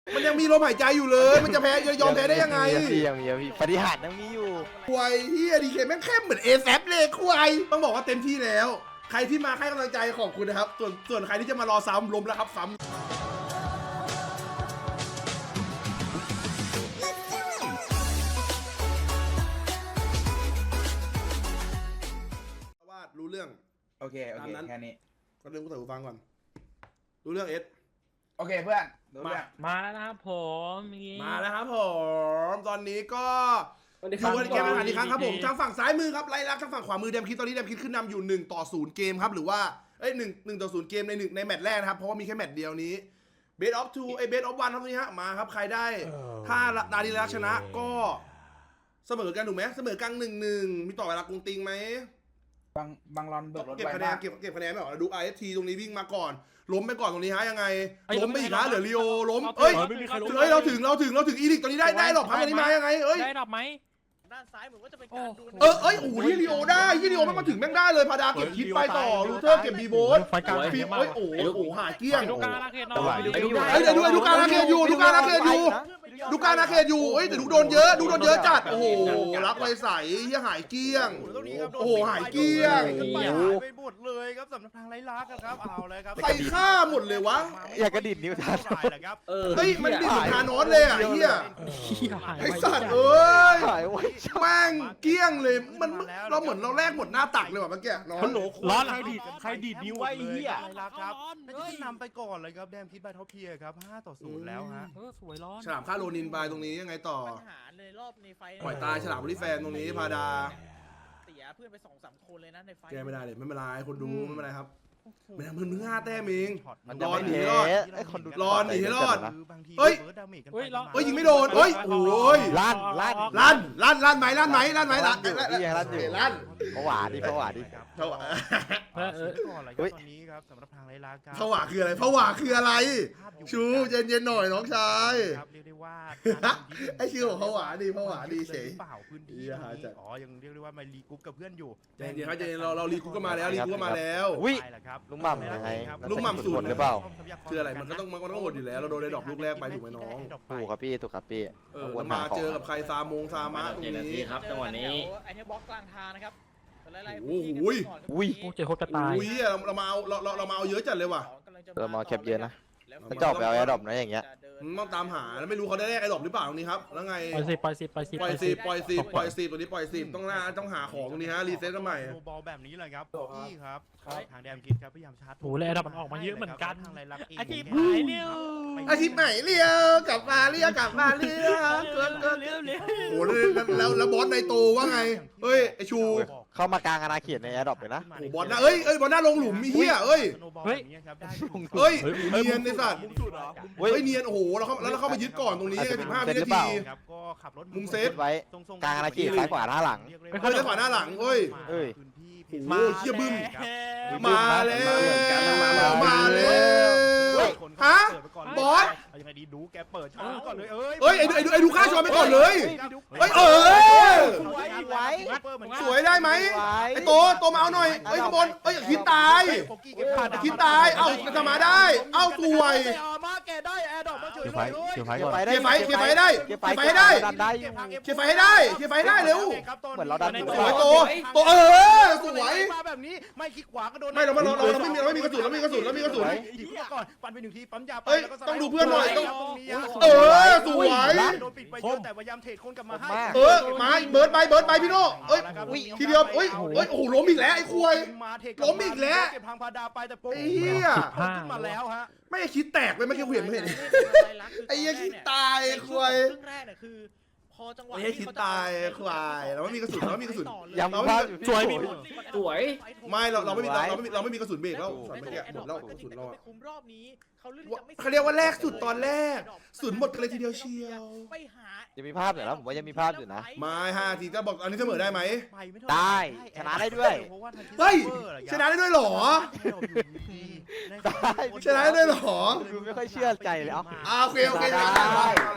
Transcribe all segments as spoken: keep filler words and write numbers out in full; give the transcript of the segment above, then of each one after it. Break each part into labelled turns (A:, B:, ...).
A: มันยังมีลมหายใจอยู่เลยมันจะแพ้จะยอมแพ้ได้ยังไง
B: ยังมียังมีปฏิหารย์ยังมีอยู่
A: ควายเฮียดีเคแม่งเข้มเหมือนเอแซฟเลยควายต้องบอกว่าเต็มที่แล้วใครที่มาให้กำลังใจขอบคุณนะครับส่วนส่วนใครที่จะมารอซ้ำล้มแล้วครับซ้ำว่ารู้เรื่อง
C: โอเคโอเคแค่นี้
A: ก็เรื่องกูใส่หูฟังก่อนรู้เรื่องเอส
C: โอเคเพื่อนรู้เรื่อง
D: มาแล้วครับผมนี่
A: มาแล้วครับผมตอนนี้ก็ดูกันเกมกันอีกครั้งครับผมทางฝั่งซ้ายมือครับไล่ลักทางฝั่งขวามือเดมคิดตอนนี้เดมคิดขึ้นนำอยู่หนึ่งต่อศูนย์เกมครับหรือว่าเอ้ยหนึ่งหนึ่งต่อศูนย์เกมในหนึ่งในแมตช์แรกนะครับเพราะว่ามีแค่แมตช์เดียวนี้เบสออฟทูไอเบสออฟวันครับตรงนี้ฮะมาครับใครได้ถ้าดาริลักชนะก็เสมอกันถูกไหมเสมอกันหนึ่งหนึ่งมีต่อเวลากรุงติงไหม
C: บางบางรอนเบิกรถ
A: เก็บ
C: ไว้
A: คะแนน
C: บ้าง
A: เก็บเก็บคะแนนไม่ออกดู ไอ เอส ที ตรงนี้วิ่งมาก่อนล้มไปก่อนตรงนี้ฮะยังไงล้มไปอีกฮะเหลือลีโอล้มเอ้ยเฮ้ยเราถึงเราถึงเราถึงอีลิกตอนนี้ได้ได้หรอกพักตอนนี้มายังไงเอ้ย
D: ได้ดับไหม
E: ด้านซ้ายเหมือนว่าจะเป็นการดู
A: เออเอ้ยโอ้โหที่ลีโอได้ที่ลีโอไม่มาถึงแม่งได้เลยพาดาเก็บคิดไปต่อลูเทอร์เก็บบีโบส
D: ไฟกลาง
A: ฟิล์มเอ้ยโอ้โหโอ้โหหายเกลี้ยง
D: ดูการอาเขตหน่อย
A: เอ้ยเดี๋ยวดูดูการอาเขตอยู่ดูการอาเขตอยู่ดูการอาเขตอยู่เอ้ยแต่ดูโดนเยอะดูโดนเยอะจัดโอ้โหรักไวใสที่หายเกลี้ยง โอ้โหหายเกลี้ยง
E: ขึ้นไปหายไปหมดเลยครับสำหรับทางไร้ลักครับเอาเลยครับ
A: ใครฆ่าหมดเลยวะ
B: อยากกระดิ่งนิ้วทัน
E: ครับ
A: เฮ้ยมันดิบเหมือนทานอสเลยอ่ะเฮีย ไอสัตว์เอ้ย
B: หายไว้
A: แม่งเกลี้ยงเลยมันเราเหมือนเราแลกหมดหน้าตักเลยว่ะเมื่อกี้น้อง
D: ร้อนใครดีดใครดีดนิ้วไว้เหี้ย
E: ไร้ลักครับน่าจะขึ้นนำไปก่อนเลยครับแดมคิดบาท็อปเพียครับห้าต่อศูนย์แล้วฮะ
D: เออสวยร้อน
A: ฉลามฆ่าโรนินไปตรงนี้ยังไงต่อ
E: ปัญหาในรอบในไฟ
A: ปล่อยตายฉลามบริแฟนตรงนี้พาดา
E: เสียเพื่อนไปสองสามคนเลยนะในไฟ
A: แกไม่ได้เลยไม่เป็นไรคนดูไม่เป็นไรครับไม่ทำเพิ่งเพิ่งห้าแต้มเอง
B: มัน
A: ร
B: จะ
A: อ
B: ไม่
A: หนี
B: เท
A: รอด
B: ไอ้คนดู
A: รอหนีให้รอด
E: เฮ้ย
A: เฮ้ยยิงไม่โดนเฮ้ยโอ้ย
B: ลั่นลั่น
A: ลั่นลั่นลั่นไหมลั่นไหมลั่นไหมลั่น
B: นี่ไงลั่นอยู่
A: ลั่น
B: ผวาดิผวาดิ
A: ผวา
D: เออเออ
E: ก่อนเลยครับตอนนี้ครับสำหรับทางไร้ลักครับ
A: ผวาคืออะไรผวาคืออะไรชูเย็นๆหน่อยน้องชาย
E: ครับเรียกได้ว่า
A: ไอ้ชื่อของผวาดีผวาดีเฉย
E: เปล่าพื้นที่อ๋อยังเรียกได้ว่ามารีกรุ๊ปกับเพื่อนอยู่
A: เย็นๆครับเย็นๆเราเรารีคูก็มาแล้วรีคูก็มาแล้ว
B: อุ้ย
E: ไปแล้วครับ
B: ลุงหม่ำยังไง
A: ลุงหม่ำสูตร
B: หรือเปล่า
A: คืออะไรมันก็ต้องมันก็ต้องหมดอยู่แล้วเราโดนได้ดอกลูกแรกไปถูกไหมน้อง
B: ถูกครับพี่ถูกครับพี่
A: เออแล้วมาเจอกับใครซามงซามะตรงนี้
F: ครับจังหวะนี้
E: ไอเทมบล็อกกลางทางนะครับ
A: โอ้โห
B: อุ้ย
D: กูเจอโคตรกระต่าย
A: อุ้ยเราเรามาเอาเราเราเรามาเอาเยอะจัดเลยว่ะ
B: เรามาแคปเยอะนะถ้าจอบไปเอาแอร์ดรอปนะอย่างเงี้ย
A: มันต้องตามหาแล้วไม่รู้เขาได้แรกไอ้ดอกหรือเปล่าตรงนี้ครับแล้วไง
D: ปล่อยสิปล่อยสิปล่อยสิ
A: ปล่อยสิปล่อยสิปล่อยสิตัวนี้ปล่อยสิต้องหน้าต้องหาของตรงนี้ฮะรีเซ็ตกันใหม่
E: บอลแบบนี้เลยครับพี่ครับทางแดมคิดครับพยายามชาร์จ
D: โอ้แล้วดับมันออกมาเยอะเหมือนกัน
E: ทางไรลักเอง
D: อาชีพหายเร็ว
A: อาทิตย์ไหนเรียวกลับมาเรียวกลับมาเรียวเกินเกิน
D: เร็วเร็ว
A: โอ้แล้วแล้วแล้วบอสในโตว่าไงเฮ้ยไอชู
B: เข้ามากลางอาณาเขตในแอร์ดรอปเลยนะ
A: โอ้บอลนะเอ้ยเอ้ยบอลหน้าลงหลุมมีเหี้ยเอ้ย
E: เฮ้ย
A: เฮ้ยเนียนในสัตว์
B: เฮ้ย
A: เฮ้ยเนียนโอ้โหเราเข้าแล้วเราเข้ามายึดก่อนตรงนี้สิบห้าวินาที
E: ครับก็ขับรถ
A: มุมเซฟ
B: ไว้กลางอาณาเขตซ้ายขวาหน้าหลัง
A: เฮ้ยซ้ายขวาหน้าหลังเฮ้ย
B: เฮ้ย
A: โอ้โหเหี้ยบึ้ม
B: มา
A: มาแล้ว มาแล้วฮะบอส
E: ยังไงดีดูแกเปิดช้อนก่อนเลยเอ้ย
A: เฮ้ยไอ้ดูไอ้ดูไอ้ดูค่าชอนไปก่อนเลยเฮ้ยเออ
B: ไว้
A: สวยได้ไหมไอ้โตโตมาเอาหน่อยเฮ้ยข้างบนเฮ้ยคิดตายคิดตายเอ้าจะมาได้เอ้าสวย
E: มาแกได้แอร์ดอกมาเฉย
B: เก็บ
E: เลย
B: ไฟเก็บไฟก่อน
A: เคลียร์ไฟเคลียร์ไฟได้
B: เก็บ
A: เคลียร์ไฟให้ได้
B: ดันได้
A: เคลียร์ไฟให้ได้เคลียร์ไฟให้ได้เร็ว
B: เหมือนเราดัน
A: สวยโตโตเออสวย
E: มาแบบนี้ไม่คลิกขวาก็โดน
A: ไม่เราเราเราเราไม่มีเราไม่มีกระสุนเราไม่มีกระสุนเราไม่มีกระสุน
E: ยิงก่อนปันไปหนึ่งทีปั๊มยา
A: เอ้ยต้องดูเพื่อนหน่อยต้อง
E: ตรงนี้
A: เออสวย
E: โดนปิดไปเยอะแต่พยายามเทรดคนกลับมาให้
A: เออมาเบิร์ดไปเบิร์ดไปพี่โน่เอ้ยทีเดียวเอ้ยเอ้ยโอ้โหล้มอีกแล้วไอ้ควย
E: มาเทรด
A: ล้มอีกแล้ว
E: เก็บพังพาดาไปแต่โป๊ะ
A: ไอ้เหี้ย
E: ขึ้นมาแล้วฮะ
A: ไม่คิดแตกเลยไม่คิดเห็นไม่เห็น ไอ้เหี้ยคิดตายควาย
E: ครึ่งแรกเนี่ยคือพอจังหวะ
A: ไอ้เหี้ยคิดตายควายเราไม่มีกระสุนเราไม่มีกระสุน
B: ยัง
A: เรา
B: ภาพ
D: สวยมี
F: สวย
A: ไม่เราเราไม่มีเราไม่มีเราไม่มีกระสุนเบรกแล้วสันเมื่อกี้หมดแล้วกระสุนเรา
E: ไปคุมรอบนี้เขาเลือกจะไม่
A: เขาเรียกว่าแรกสุดตอนแรกสุดหมดกันเลยทีเดียวเชียว
E: ไปหา
B: ยังมีภาพอยู่นะผมว่ายังมีภาพอยู่นะ
A: มาห้าทีจะบอกอันนี้เสมอได้ไหม
B: ได้ชนะได้ด้วย
A: เฮ้ยชนะได้ด้วยเหรอ ชนะได้ด้วยเหรอ
B: ดูไม่ค่อยเชื่อใจเลยเอ้า
A: อ่าโอเคโอเคมา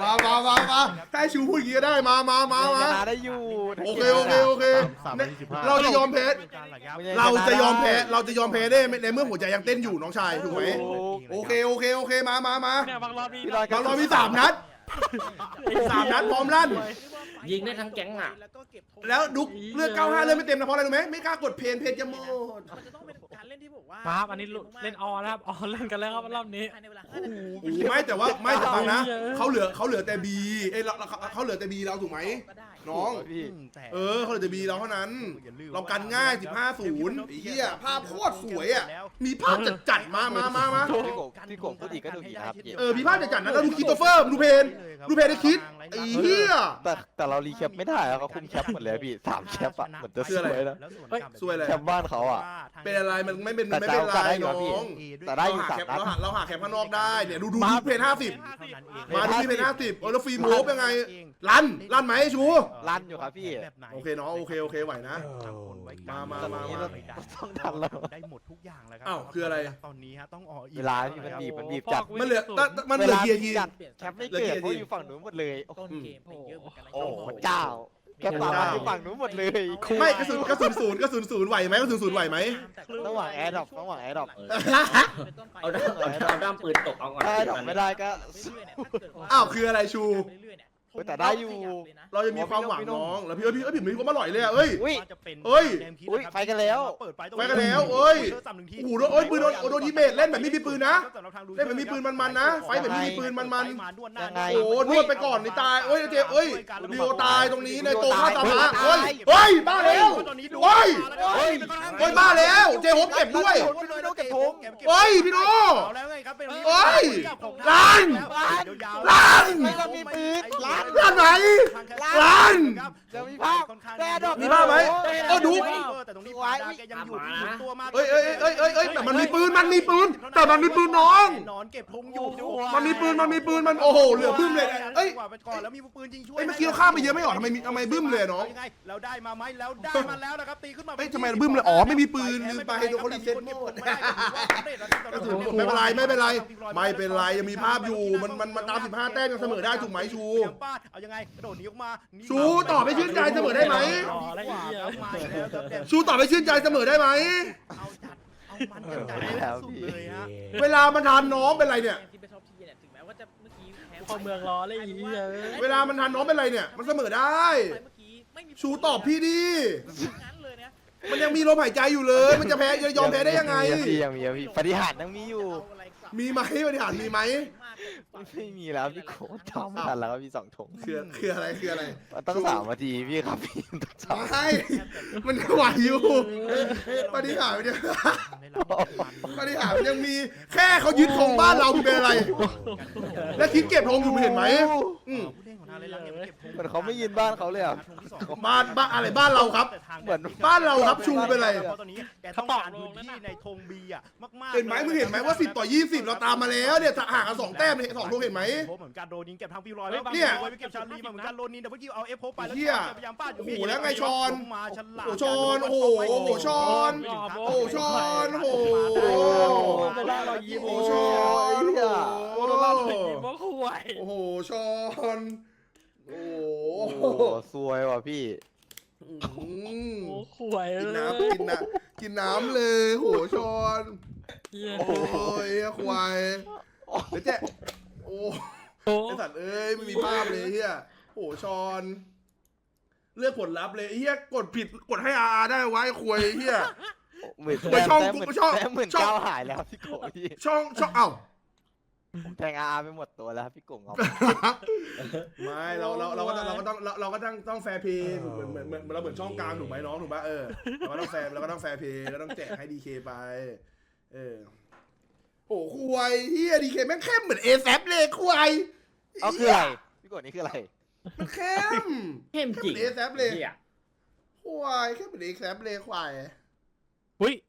A: มามามามาถ้าให้ชูพูดอย่างนี้ก็ได้มามามามา
B: ชนะได้อยู่
A: โอเคโอเคโอเค
E: สามนาทีสิบห้า
A: เราจะยอมแพ้เราจะยอมแพ้เราจะยอมแพ้ได้ในเมื่อหัวใจยังเต้นอยู่น้องชายถูกไหมโอเคโอเคโอเคมามามา
D: เนี่ยบางรอบนี้
B: พี่ลอย
A: เราเรามีสามนัดสามนัดพร้อมลั่น
F: ยิงได้ทั้งแก๊งอ่ะ
A: แล้วดุกเลือกเก้าห้าเลือกไม่เต็มนะเพราะอะไรรู้ไหมไม่กล้ากดเพนเพนจะหมด
G: มันจะต้องเป็นการเล่นที่บอกว่า
D: มาครับอันนี้เล่นออแล้วครับออเล่นกันแล้วครับรอบนี้
G: ภายในเวลาห้านาที
A: โอ้โหไม่แต่ว่าไม่แต่ฟังนะเขาเหลือเขาเหลือแต่บีเอ้ยเราเขาเหลือแต่บีเราถูกไหม
G: ก็ได้
A: น้อง
B: พี่
A: เออเขาเหลือแต่บีเราเท่านั้น เรากันง่ายสิบห้าศูนย์ไอ้เหี้ยภาพโคตรสวยอ่ะมีภาพจัดจัดๆมามามามา
B: พี่โกบพี่โกบพูดอีกก็ดูอีกนะครับพี่
A: เออมีภาพจัดจัดๆนะแล้วดูคริสโตเฟอร์ดูเพนดูเพนได้คิดไอ้เหี้ย
B: แต่แต่เรารีแคปไม่ได้อะเขาคุมแคปหมดเลยพี่สามแคปอะเหมือนจะสวยนะ
A: สวยเลย
B: แคปบ้านเขาอะ
A: เป็นอะไรมันไม่เป็น
B: แต่
A: ไม่เป็น
B: แต่
A: ไร
B: ได้อยู่
A: น้
B: อะพี่
A: อง
B: แต่ได้อยู่
A: เรา
B: สา
A: หาม แคป
B: นัด
A: เราหาเราหาแคปข้างนอกได้เนี่ยดูดูดูเพนห้าสิบมาดูที่เพนห้าสิบเออแล้วฟิล์มโฮปยังไงลั่นลั่นไหมชู
B: ลั่นอยู่ครับพี่
A: โอเคเนาะโอเคโอเคไหวนะ มามามามา
B: ต้องทันแล้ว
E: ได้หมดทุกอย่างแล้วครั
A: อ้าวคืออะไร
E: ตอนนี้ฮะต้องออกอีก
B: เวลาพี่มันบีบมันบีบจัด
A: มันเหลือแต่แต่มันเหลือเกียร์ที
B: จัดแคปไม่เกิดเพราะอยู่ฝั่งนู้นหมดเลยโอ้โห
G: ต้นเกมไปเยอะเหมือนกันนะ
B: โอ้พระเจ้าแคปฝั่งอยู่ฝั่งนู้นหมดเลย
A: ไม่กระสุนกระสุนศูนย์กระสุนศูนย์ไหวไหมกระสุนศูนย์ไหวไหม
B: ระหว่างแอร์ดรอประหว่างแอร์ดรอป
G: เป็นต้นไป
F: เอาด้ามเอาด้ามปืนตกเอาก่อน
B: ถ้าแอร์ดรอปไม่ได้ก็
A: อ้าวคืออะไรชู
G: เรื่อยๆเนี่ย
B: เฮ้ยแต่ได้อยู่
A: เราจะมีความหวังน้องแล้วพี่เอ้ยพี่เอ้ยพี่เหมือนมีความอร่อยเลยอะเอ้ย
B: อุ้ย
A: เฮ้ย
B: อุ้ยไปกันแล้ว
A: ไปกันแล้วเอ้ย โอ้โหโดนเอ้ยปืนโดนโดนยิเมทเล่นแบบไม่มีปืนนะเล่นแบบมีปืนมันๆนะไฟแบบไม่มีปืนมัน
B: ยังไง
A: ๆโอ้โหนวดไปก่อนนี่ตายเอ้ยเจ๊เอ้ยดิโอตายตรงนี้ในโตฆ่าตามาเฮ้ยเฮ้ยบ้าแล้วเฮ้ยเฮ้ยเฮ้ยบ้าแล้วเจ๊ฮบเก็บด้วย
B: พี่โดเก็บธง
A: เฮ้ยพี่โน
E: เฮ้ย
A: ล้านล้าน
B: ไม่ต้องมีปืนล้าน
A: ล้านไหนล้าน
B: จะมีภาพแอร์ดรอป
A: มีภาพไหมเออดู
E: แต่ตรงนี้ปาดาแกยังอยู่ที่ตัวมา
A: เอ้ยเอ้ยเอ้ยเอ้ยเอ้ยแต่มันมีปืนมันมีปืนแต่มันมีปืนน้อง
E: นอนเก็บธงอยู่
A: มันมีปืนมันมีปืนมันโอ้โหเหลือบึ้มเลยเอ้ย
E: ไปก่อนแล้วมีปืนยิงช่วย
A: เอ้ยเมื่อกี้เราข้ามไปเยอะไม่หรอทำไมมีทำไมบึ้มเลยน้อง
E: ยังไงเราได้มาไหมแล้วได้มาแล้วนะครับตีขึ้นมา
A: เอ้ยทำไมบึ้มเลยอ๋อไม่มีปืนลืมไปโดนเขารีเซ็ตโหมดกระสุนหมดไม่เป็นไรไม่เป็นไรไม่เป็นไรยังมีภาพอยู่มันมันมันตามสิบห้าแต้มยังเสมอได้ถูกไหมชู
E: เอายังไงกระโดดหนีออกมา
A: ชูต่อไปชื่นใจเสมอได้ไหม
D: อ๋ออะไรอีกเหี้ย
A: ชูต่อไปชื่นใจเสมอได้ไหม
E: เอาจัดเอามันจัดให้สุดเลยฮะ
A: เวลามันทานน้องเป็นไรเนี่ย
G: ที่เป็นท็อปทีเนี่ยถึงแม้ว่าจะเมื่อกี้แพ้
D: พอเมืองรอเลยอีกเหี้ย
A: เวลามันทานน้องเป็นไรเนี่ยมันเสมอได้
G: เมื่อกี้ไม่มี
A: ชูตอบพี่ดิ
G: งั้นเลยนะ
A: มันยังมีลมหายใจอยู่เลย มันจะแพ้จะยอมแพ้ได้ยังไง
B: พี่ยังมีพี่ปฏิหารยังมีอยู่
A: มีไหมบริหารมีไหม
B: ไม่มีแล้วพี่โค้ดทำไม่ทันแล้วครับพี่สองถง
A: คือคืออะไรคืออะไร
B: ต้องสามนาทีพี่ครับพี่ต้องสาม
A: ไม่ มันยังไหวอยู่ปฏิหารมันยังปฏิหารมันยังมีแค่เขายึดธงบ้านเราเป็นอะไร แล้วคิดเก็บธงอยู่เห็นไหมอืม
B: เหมือนเขาไม่ยินบ้านเขาเลยอ่ะ
A: บ้านบ้านอะไรบ้านเราครับ
B: เหมือน
A: บ้านเราครับชูเป็นไร
E: ตอนนี้แกต้องการพื้นที่ในธงบีอ่ะมากๆ
A: เห็นไหมมึงเห็นไหมว่าสิบต่อยี่สิบเราตามมาแล้วเนี่ยห่างกันสองแต้มสองธงเห็นไหม
E: เหมือนกันโดนยิงเก็บทางฟิวลอย
A: เนี่ย
E: ไปเก็บชาลีมาเหมือนกันโดนนินแต่เมื่อกี้เอาเอฟโพไปแล้ว
A: เหี้ย
E: พยายามป้าด
A: โอ้โหแล้วไงชอน
E: มาฉลาด
A: โอ้โหชอนโอ้โหโอ้โหชอน โอ้โหชอนโอ้โห
D: ไม่ได้เรายิ้ม
A: โอ้โหชอนโอ้
D: โอ้
A: โห
D: โหเรายิ้มว่าคุย
A: โอ้โหชอนโอ้
B: โอ้
A: โห
B: ซวยว่ะพี่
A: อืม
D: โอ้คุย
A: กินน้ำกินน้ำกินน้ำเลยโหชอน
D: เหี้ย
A: โอ้ยควายเดี๋ยวเจ๊โอ้
D: โอ้
A: ไอสัตว์เอ้ยไม่มีภาพเลยเฮียโหชอนเลือกผลลัพธ์เลยเฮียกดผิดกดให้อาได้ไว้ควยเฮีย
B: หมื่น
A: ไปช่อง
B: แต้ม
A: กู
B: หมื่น
A: ช่อง
B: แต้มหมื่น
A: ช่อง
B: เก้าหายแล้วพี่โกพี่
A: ช่องช่องเอ้า
B: แทงอาไปหมดตัวแล้วพี่โกงเอา
A: ไม่เราเราเราก็ต้องเราก็ต้องเราเราก็ต้องต้องแฟร์เพย์เหมือนเหมือนเหมือนเราเหมือนช่องกลางถูกไหมน้องถูกปะเออเราก็ต้องแฟร์เราก็ต้องแฟร์เพย์แล้วต้องแจกให้ดีเคไปเออโอ้ควายเฮียดีเคแม่งเข้มเหมือนเอแซเลยควาย
B: เอาคืออะไรพี่โกนี่คืออะไร
A: มันเข้ม
F: เข้มจริง
A: เอแซเลย
F: เหี้ย
A: ควายเข้มเหมือนเอแซเลยควาย
D: อุ้ย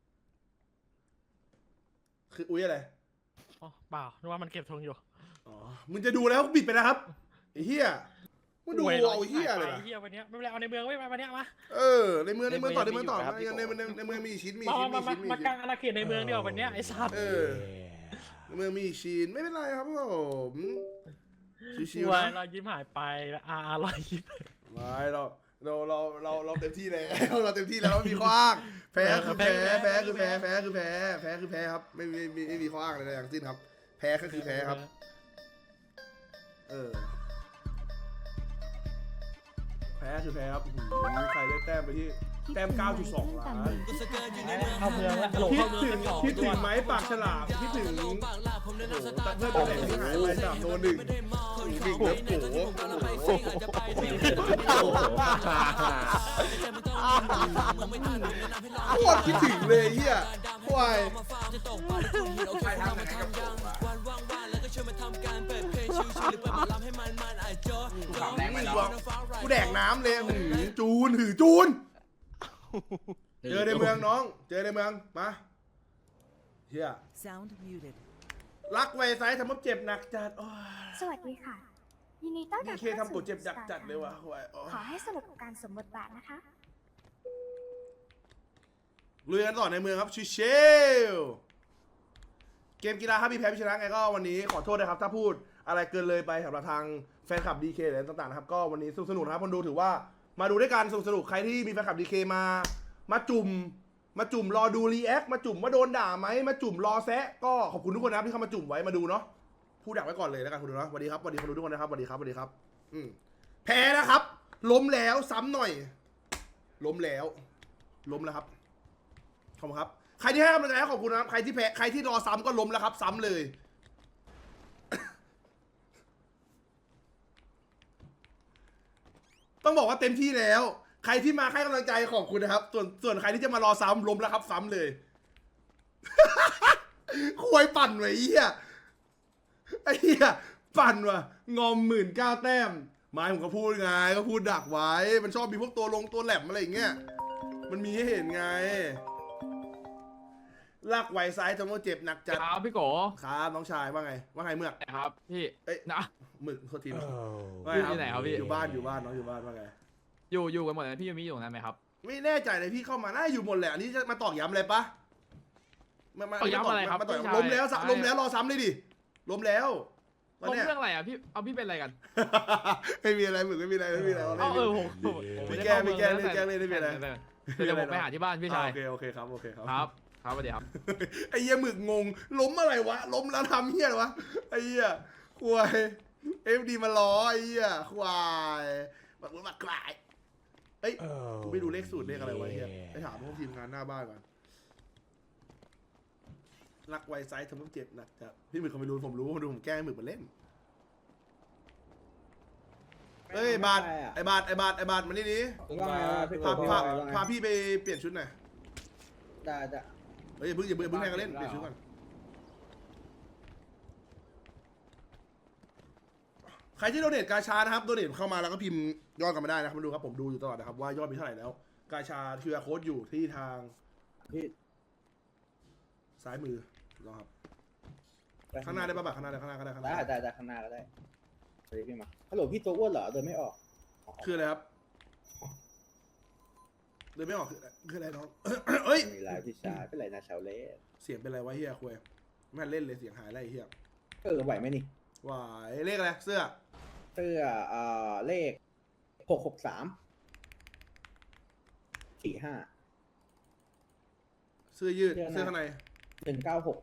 A: คืออุ้ยอะไร
D: อ๋อเปล่านึกว่ามันเก็บธงอยู่
A: อ๋อมึงจะดูแล้วบิดไปนะครับไอ้เฮียมึงดู
D: วย
A: เอาไอ้เฮียเลย
D: ไอ้เหี้ยวันเนี้ยไม่เป็นไรเอาในเมืองไว้วันเนี้ยมา
A: เออในเมืองในเมืองต่อในเมืองต่อในในในในเมืองมีชิ้นมี
D: มา
A: ชิ้น
D: มา
A: มี
D: มา
A: ชิ้นมี
D: มาก
A: ชิ้
D: ลาน งอาณาเขตในเมืองดีกว่าวันเนี้ยไอ้สัตว์
A: เออในเมืองมีชิ้นไม่เป็นไรครับผมชิว
D: วา
A: ๆ
D: ย
A: นะ
D: เรายิ้มหายไปแล้วอาร์รอยยิ้ม
A: ไม่เราเราเราเราเราเต็มที่แล้ว เราเต็มที่แล้วไม่มีข้ออ้างแพ้คือแพ้แพ้คือแพ้แพ้คือแพ้แพ้คือแพ้ครับไม่มีไม่มีไม่มีข้ออ้างอะไรทั้งสิ้นครับ แพ้ก็คือแพ้ครับ เออแพ้คือแพ้ครับอื้อหือใครได้แต้มไปที่แต้ม เก้าจุดสอง ล้าน
D: เข้าเมืองแล้วหลง
A: คิด
D: เข้าเมือง
A: ถึง
D: ไปก่อน
A: คิดถึงไหมปากฉลามคิดถึงโอ้โหตัดเพื่อนตัวแหลกที่หายไปสามโดนหนึ่งหนึ่งเลิฟโอ้โหโคตรคิดถึงเลยเฮียควาย
C: ใครทำอะไรกับผมวะกูขำแรงไปแล้ว
A: กูแดกน้ำเลยหือจูนหือจูน เจอในเมืองน้อง เจอในเมืองมาเฮีย
H: Sound muted.
A: รักไวไซส์ทำมับเจ็บหนักจัดโอ้ย
I: สวัสดีค่ะ ยินดีต้อน
A: นี่
I: รับ
A: เคทำกูเจ็บจัดจัดเลยวะควายโอ้ย
I: ขอให้สนุกกับการสวมบทบาทนะคะ
A: ลุยกันต่อในเมืองครับชิเชลเกมกีฬาครับพี่แพ้พี่ชนะไงก็วันนี้ขอโทษนะครับ ถ้าพูดอะไรเกินเลยไปสำหรับทางแฟนคลับ ดี เค หรือต่างๆนะครับก็วันนี้สนุกสนุกนะครับคนดูถือว่ามาดูด้วยกันสนุกสนุกใครที่มีแฟนคลับ ดี เค มา มาจุ่มมาจุ่มรอดูรีแอคมาจุ่มว่าโดนด่าไหมมาจุ่มรอแซะก็ขอบคุณทุกคนนะครับที่เข้ามาจุ่มไว้มาดูเนาะพูดดักไว้ก่อนเลยแล้วกันคุณดูเนาะสวัสดีครับสวัสดีคนดูทุกคนนะครับสวัสดีครับสวัสดีครับอืมแพ้นะครับ ล้มแล้วซ้ำหน่อย ล้มแล้ว ล้มแล้วครับขอบคุณครับใครที่ให้กำลังใจขอบคุณนะครับใครที่แพ้ใครที่รอซ้ำก็ล้มแล้วครับ ซ้ำเลย ต้องบอกว่าเต็มที่แล้ว ใครที่มาให้กำลังใจขอบคุณนะครับ ส่วนส่วนใครที่จะมารอซ้ำล้มแล้วครับ ซ้ำเลย ควยปั่นไว้ไอ้เหี้ยไอ้เหี้ยปั่นว่ะงอมหมื่นเก้าแต้มไม้ผมก็พูดไงก็พูดดักไว้ มันชอบมีพวกตัวลงตัวแหลมอะไรอย่างเงี้ยมันมีให้เห็นไงลากไวซ้ายทำให้เจ็บหนักจัด
J: ครับพี่โก
A: ครับน้องชายว่าไงว่าไงเมือก
J: ครับพี่
A: เอ้ย
J: นะ
A: หมึกโทษทีนะ
J: อยู่ที่ไหนครับพี่
A: อยู่บ้านอยู่บ้านน้องอยู่บ้านว่าไง
J: อยู่อยู่กันหมดเลยพี่ยูมิอยู่ตรงนั้นไหมครับ
A: ไม่แน่ใจเลยพี่เข้ามาน่าอยู่หมดแหละอันนี้จะมาตอกย้ำอะไรปะมามา
J: ตอกย้ำอะไรครับ
A: มาตอก
J: พี่ชาย
A: ล้มแล้วสะ
J: ใช่
A: ล้มแล้วรอซ้ำเลยดิล้มแล้วตอน
J: ลง
A: เนี้ย
J: เรื่องอะไรอ่ะพี่เอาพี่เป็นอะไรกัน
A: ไม่มีอะไรหมึกไม่มีอะไรไม่มีอะไร
J: เอาเออผมผม
A: ไม่
J: ด้
A: แก้
J: เข้า
A: ไม่แก้
J: เมือง
A: ไม่แก้เลยไม่มีอะไร
J: เดี๋ยวผมไปหาที่บ้านพี่ชาย
A: โอเคโอเคครับโอเคครับ
J: ครับครับสวัสดีครับ
A: ไอ้เหี้ยหมึกงงล้มอะไรวะล้มแล้วทำเหี้ยอะไรวะไอ้เหี้ยควายเอฟดีมาล้อไอ้เหี้ยควายบักบักควายเอ้ยกูไม่ดูเลขสูตรเลขอะไรไว้เหี้ยไปถามพวกทีมงานหน้าบ้านก่อนรักไวไซส์ทำให้เจ็บหนักจัดพี่หมึกเขาไม่รู้ผมรู้ผมดูผมแกล้งให้หมึกมาเล่นเอ้ยบาทไอ้บาทไอ้บาทไอ้บาทมานี่ดิพาพาพาพี่ไปเปลี่ยนชุดหน่อย
C: ได้ได้
A: เฮ้ยอย่าเพิ่งอย่าเพิ่งอย่าเพิ่งแข่งกันเล่นเปลี่ยนชุดก่อนใครที่โดเนทกาชานะครับโดเนทเข้ามาแล้วก็พิมพ์ยอดกันมาได้นะครับมาดูครับผมดูอยู่ตลอดนะครับว่ายอดมีเท่าไหร่แล้ว กาชาคิวอาร์โค้ดอยู่ที่ทางซ้ายมือลองครับข้างหน้าได้ปะบักข้างหน้าได้ข้างหน้าก็ได้ข้างหน้า
C: ได้ได้ได้ข้างหน้าก็ได้เฮ้ยพี่มาฮัลโหลพี่ตัวอ้วนเหรอเดินไม่ออก
A: คืออะไรครับเดินไม่ออกคืออะไรคืออะไรน้อง เอ้ย
C: มีลายพี่ชายเป็นไรนะชาวเล่
A: เสียงเป็นไรวะเฮียคุยไม่ทันเล่นเลยเสียงหายอะไรเฮีย
C: เออไหวไหมนี่
A: หวายเลขอะไรเสื้อ
C: เสื้อเอ่อเลขหกหกสามสี่ห้า
A: เสื้อยืด
C: เสื้อใน
A: เสื้อข้างใน
C: หนึ่งเก้าหก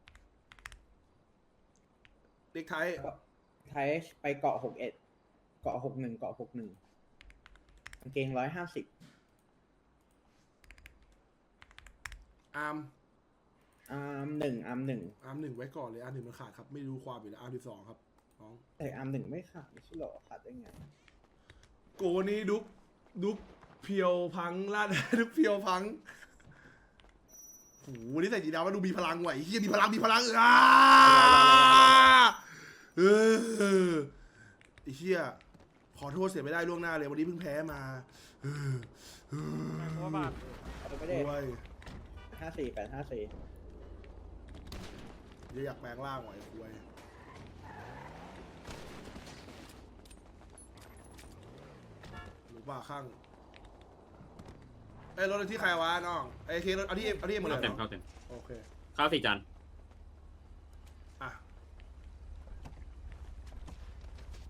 A: เด็กไทย
C: ไทยไปเกาะหกเอ็ดเกาะหกหนึ่งเกาะหกหนึ่งกางเกงร้อยห้าสิบ
A: อาร์ม
C: อาร์มหนึ่งอาร์มหนึ่ง
A: อาร์มหนึ่งไว้ก่อนเลยอาร์มหนึ่งมันขาดครับไม่รู้ความอยู่แล้วอาร์มสิบสองครับน้อง
C: แต่อาร์มหนึ่งไม่ขาดไม่ใช่หรอขาดได้ไง
A: โกนี้ดุกดุกเพียวพังลาด ดุกเพียวพังโหวันนี้ใส่จีดาวมาดูมีพลังว่ะไอ้เฮียมีพลังมีพลังอ่าเออไอ้เฮียขอโทษเสียไม่ได้ล่วงหน้าเลยวันนี้เพิ่งแพ้มาเออเออ
D: เพราะว่าบาท
C: เอาไปไม่ได้
A: ด้วย
C: ห้าสี่แปดห้าสี่
A: เดี๋ยวอยากแปลงร่างว่ะไอ้คุยหรือว่าข้างไอ้ยรถที่ใครวะน้องไอ้เครถเอาที่เอาที่เอ็มหมดเลย
F: เข้าเต็ม
A: เหรอ
F: เข้าเต็ม
A: โอเค
F: ข้าวสี่จาน
A: อ่ะ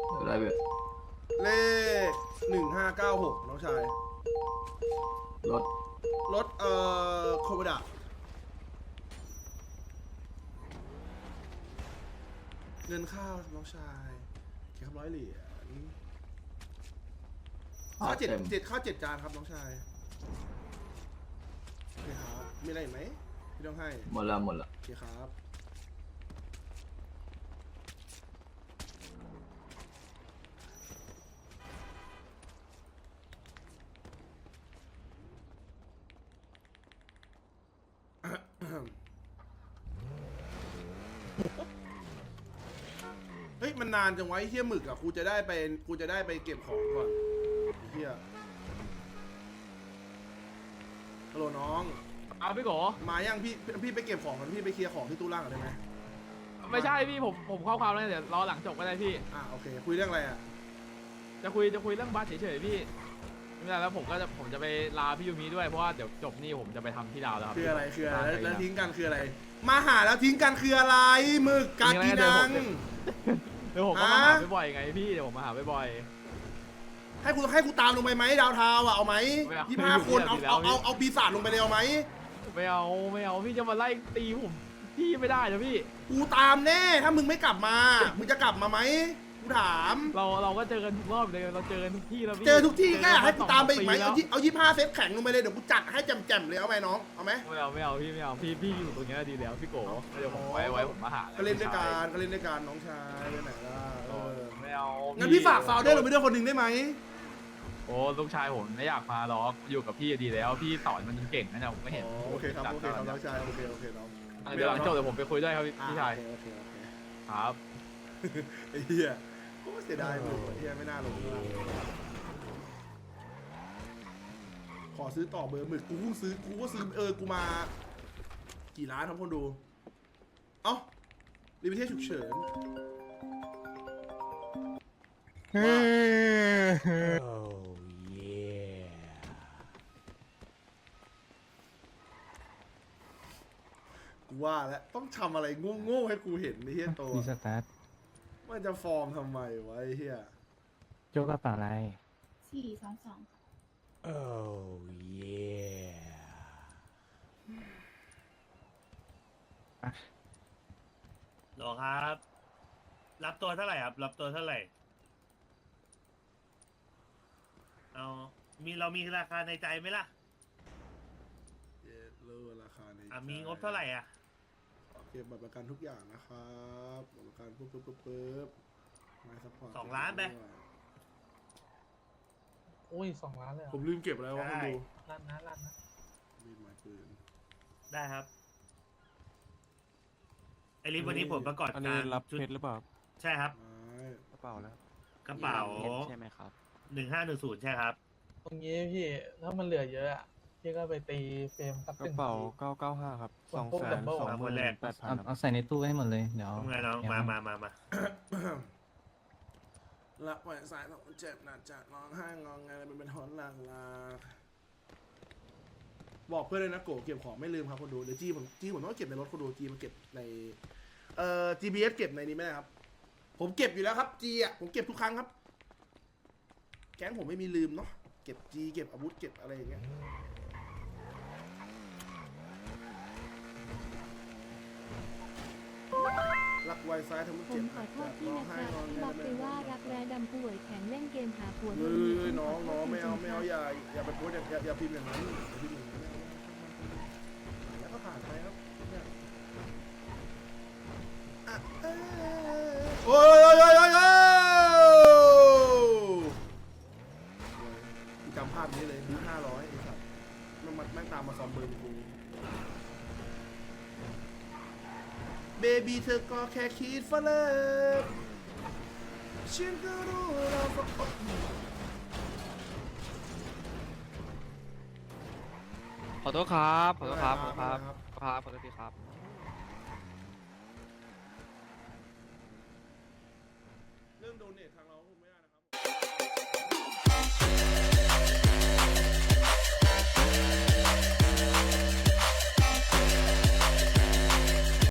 J: อะไรเว้ย
A: เลขหนึ่งห้าเก้าหกน้องชาย
J: รถ
A: รถเอ่อโคโมดะเงินข้าวน้องชายเก็บร้อยเหรียญข้าวเจ็ดเจ็ดข้าวเจ็ดจานครับน้องชายโอเคครับมีอะไรอีกไหมพี่ต้องให้
J: หมดละหมดละ
A: โอเคครับ เฮ้ยมันนานจังไวะไอ้เฮียหมึกอะกูจะได้ไปกูจะได้ไปเก็บของก่อนไอ้เฮียฮัลโหลน้อง
J: เอาพี่โก
A: มายังพี่พี่ไปเก็บของก่อนพี่ไปเคลียร์ของที่ตู้ล่างก่อนได้ไหม
J: ไม่ใช่พี่ผมผมเข้าความแล้วเดี๋ยวรอหลังจบก็ได้พี่
A: อ่ะโอเคคุยเรื่องอะไรอะ
J: จะคุยจะคุยเรื่องบัสเฉยๆพี่ไม่ได้แล้วผมก็จะผมจะไปลาพี่ยูมิด้วยเพราะว่าเดี๋ยวจบนี่ผมจะไปทำที่ดาวแล้วครับ
A: คืออะไรคืออะไรแล้ว
J: ใช่
A: แล้วทิ้งกันคืออะไร มาหาแล้วทิ้งกันคืออะไรหมึกกากีนัง
J: เดี๋ยวผมก็มาหาบ่อยๆไงพี่เดี๋ยวผมมาหาบ่อย
A: ให้กูให้กูตามลงไปไหมดาวเทาวน์อะเอาไหม
J: ไม่เอา
A: ยี่ห้าคนเอา
J: ไม่เอา
A: เอาเอาเอาปีศาจลงไปเลยเอาไหม
J: ๆไม่เอาไม่เอาพี่จะมาไล่ตีผมพี่ไม่ได้นะพี่
A: กูตามแน่ถ้ามึงไม่กลับมามึงจะกลับมาไหมกูถาม
J: เราเราก็เจอกันทุกรอบเลยเราเจอกันทุกที่แล้วพี่
A: เจอทุกที่ก็อยากให้กูตามไปอีกไหม
J: เจ
A: เอา
J: น
A: ยี่เอายี่ห้าเซตแข็งลงไปเลยเดี๋ยวกูจัดให้แจ่มๆเลยเอาไหมน้องเอาไหม
J: ไม่เอาไม่เอาพี่ไม่เอาพี่พี่อยู่ตรงนี้ดีแล้วพี่โกเดี๋ยวผมไว้ไว้ผมมาหา
A: ก็เล่นด้วยกันก็เล่นด้วยกันน้องชายไปไหนล่ะเออ
J: ไม่เอา
A: งั้นพี่ฝากฟาวเดอร์ลงไปด้วยคนหนึ่งได้ไหม
J: โอ้ลูกชายผมไม่อยากมาหรอกอยู่กับพี่ดีแล้วพี่สอนมันจนเก่งนะเนี่ยผมไม่เห็น
A: อ๋อโอเคครับโอเคครับน้องชายโอเคโอเคน้อง
J: เดี๋ยวหลังจบเดี๋ยวผมไปคุยด้วยครับพี่
A: อ่ะ
J: พี่ชาย
A: โอเคโอเคโอเค
J: ครับ
A: ไอ้เหี้ยโอ้เสียดายมึงไอ้เหี้ยไม่น่าลงเลยขอซื้อต่อเบอร์หมึกกูเพิ่งซื้อกูก็ซื้อเออกูมา กี่ล้านครับคนดู เอ้ารีวิเทศฉุกเฉินกูว่าแล้วต้องทำอะไรโง่ๆให้กูเห็นไอ้เหี้ยโต
D: มีสตาร์ท
A: มันจะฟอร์มทำไมวะไอ้เหี้ย
D: โจกกระเป๋าอะไร
I: สี่สองสอง
H: หรอครับ รับตัวเท่าไหร่ครับ รับตัวเท่าไหร่ เอามีเรามีราคาในใจไหมล่ะ
A: เย็ดเลอราคาใน
H: อ่ะมีงบเท่าไหร่อ่ะ
A: เก็บบัตรประกันทุกอย่างนะครับบัตรประกันปุ๊บปุ๊บปุ๊บปุ๊บไม่ซัพพอร์ต
H: สองล้านไป
D: โอ้ยสองล้านเลยเหร
A: ผ
D: อ
A: มลืมเก็บอะไรวะคุณดู
D: ล้านนะล้านนะ
A: มีดไม้ปืน
H: ได้ครับไอริฟวันนี้ผมประกอบ
D: อันนี้
H: การ
D: รับ
H: ชุด
D: เพชรหรือเปล่า
H: ใช่ครับ
A: ไม้
D: กระเป๋าแล้ว
H: กระเป๋า
B: ใช่ไหมครับ
H: หนึ่งห้าหนึ่งศูนย์ใช่ครับ
D: ตรงนี้พี่ถ้ามันเหลือเยอะอะพี่ก็ไปตีเฟรมสัก
K: กระ
D: หนึ่ง
K: เป๋า
D: ที
K: เก้าเก้าห้าครับ
D: ส่
K: ส
D: ว
K: อน ง
D: พวก
K: แสน
D: Double
K: สองหมื่น
H: เอาคนแรก
K: แปดพัน
D: เอาใส่ในตู้ให้หมดเลย เดี๋ยว
H: ทำไงน้องมามามามา
A: ละปล่อยสายต้องเจ็บหนักจัดร้องไห้งองไงมันเป็นทอนหลังลาบอกเพื่อนเลยนะโกเก็บของไม่ลืมครับคนดูเดี๋ยวจีผมจีผมต้องเก็บในรถคนดูจีมาเก็บในเอ่อ จี พี เอส เก็บในนี้ไม่ได้ครับ ผมเก็บอยู่แล้วครับจีอ่ะผมเก็บทุกครั้งครับ แก๊งผมไม่มีลืมเนาะเก็บจีเก็บอาวุธเก็บอะไรอย่างเงี้ยรักไวซ้ายทำให้
I: ผ
A: เจ็
I: ม
A: บ
I: ขอโทษ
A: ร้
I: พี่
A: อง
I: นะค
A: ไห้
I: รับ
A: งอแง
I: ที่บอกไปว่ารักแร้ดำป่วยแข็งเล่นเกมหาผัว
A: เฮ้ยน้องน้องไม่เอาไม่เอาอย่าอย่าไปโพสต์อย่าอย่าอย่าพิมพ์อย่างนั้นอย่าพิมพ์อย่างนั้นแล้วก็ผ่านไปครับเนี่ยอ่ะเอ้ยโอ้ยโอ้ยโอ้ยโอ้ยโอ้ยกูจำภาพนี้เลยดูห้าร้อยไอ้สัสมันมันแม่งตามมาซ้อมเบอร์กูเบบี้เธอก็แค่คิดฝันเลยฉันก็รู้เราก็
B: ขอโทษครับ ขอโทษครับ ขอโทษครับ ครับ ขอโทษทีครับ
A: เรื่องโดเนททางเรา